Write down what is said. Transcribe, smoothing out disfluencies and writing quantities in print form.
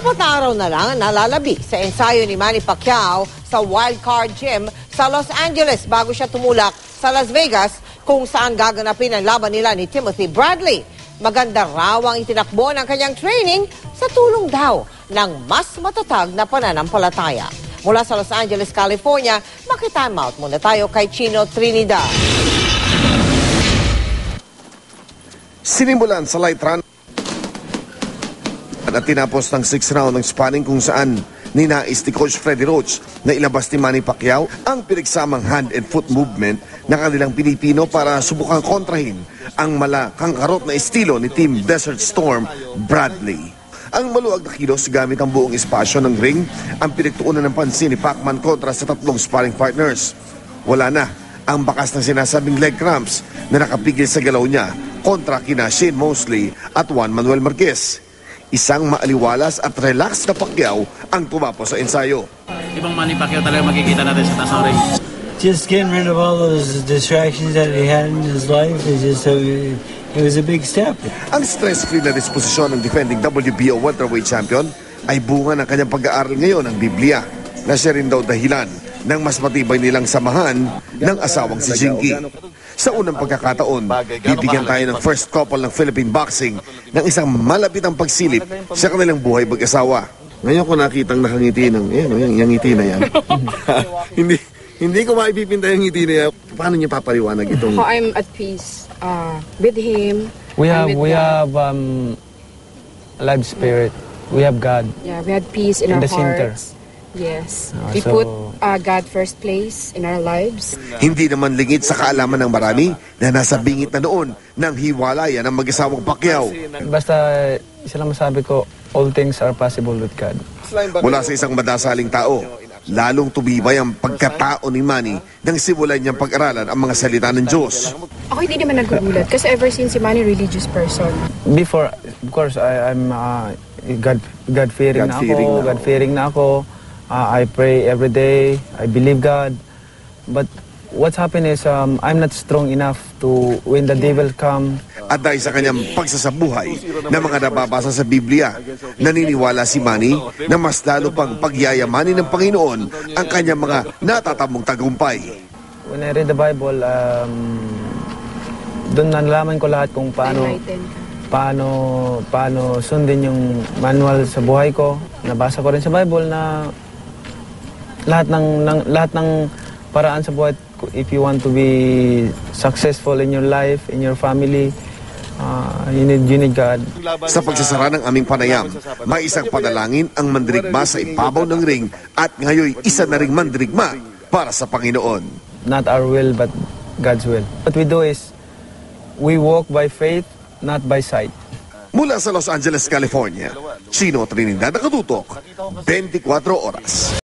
Apat na araw na lang nalalabi sa ensayo ni Manny Pacquiao sa Wildcard Gym sa Los Angeles bago siya tumulak sa Las Vegas kung saan gaganapin ang laban nila ni Timothy Bradley. Maganda raw ang itinakbo ng kanyang training sa tulong daw ng mas matatag na pananampalataya. Mula sa Los Angeles, California, makitime out muna tayo kay Chino Trinidad. Sinimulan sa light run at tinapos ng 6th round ng sparring kung saan ninais ni Coach Freddie Roach na ilabas ni Manny Pacquiao ang pinagsamang hand and foot movement na kanilang Pilipino para subukang kontrahin ang malakangkarot na estilo ni Team Desert Storm Bradley. Ang maluwag na kilos gamit ang buong espasyo ng ring ang pinagtuunan ng pansin ni Pacman kontra sa tatlong sparring partners. Wala na ang bakas ng sinasabing leg cramps na nakapigil sa galaw niya kontra kina Shane Mosley at Juan Manuel Marquez. Isang maaliwalas at relax na Pacquiao ang tumapos sa ensayo. Ibang Manny Pacquiao talaga makikita natin sa taas ng ring. Just getting rid of all those distractions that he had in his life is just it was a big step. Ang stress-free na disposisyon ng defending WBO welterweight champion ay bunga ng kanyang pag-aaral ngayon ng Biblia na siya rin daw dahilan ng mas matibay nilang samahan ng asawang si Jinky. Sa unang pagkakataon, bibigyan tayo ng first couple ng Philippine boxing ng isang malapitang pagsilip sa kanilang buhay mag-asawa. Ngayon ko nakitang nakangiti ng, yung ngiti na yan. hindi ko maipipinta yung ngiti na yan. Paano niya papaliwanag itong? I'm at peace with him. We have live spirit. We have God. Yeah, we had peace in our the center. hearts. Yes. We put God first place in our lives. Hindi naman lingid sa kaalaman ng marami na nasa bingit na noon ng hiwalayan ng mag-asawang Pacquiao. Basta isa lang masabi ko, all things are possible with God. Mula sa isang madasaling tao, lalong tumibay ang pagkatao ni Manny nang simulan niyang pag-aralan ang mga salita ng Diyos. Ako hindi naman nagugulat kasi ever since si Manny religious person. Before, of course, I'm God-fearing na ako. I pray every day. I believe God. But what's happened is I'm not strong enough to when the devil come. At dahil sa kanyang pagsasabuhay na mga nababasa sa Biblia, naniniwala si Manny na mas lalo pang pagyayamanin ng Panginoon ang kanyang mga natatamong tagumpay. When I read the Bible, doon nalaman ko lahat kung paano sundin yung manual sa buhay ko. Nabasa ko rin sa Bible na lahat ng paraan sa buhay, if you want to be successful in your life, in your family, you need God. Sa pagsasara ng aming panayam, may isang panalangin ang mandirigma sa ibabaw ng ring at ngayon isa na ring mandirigma para sa Panginoon. Not our will, but God's will. What we do is, we walk by faith, not by sight. Mula sa Los Angeles, California, Chino Trinidad, nakatutok, 24 oras.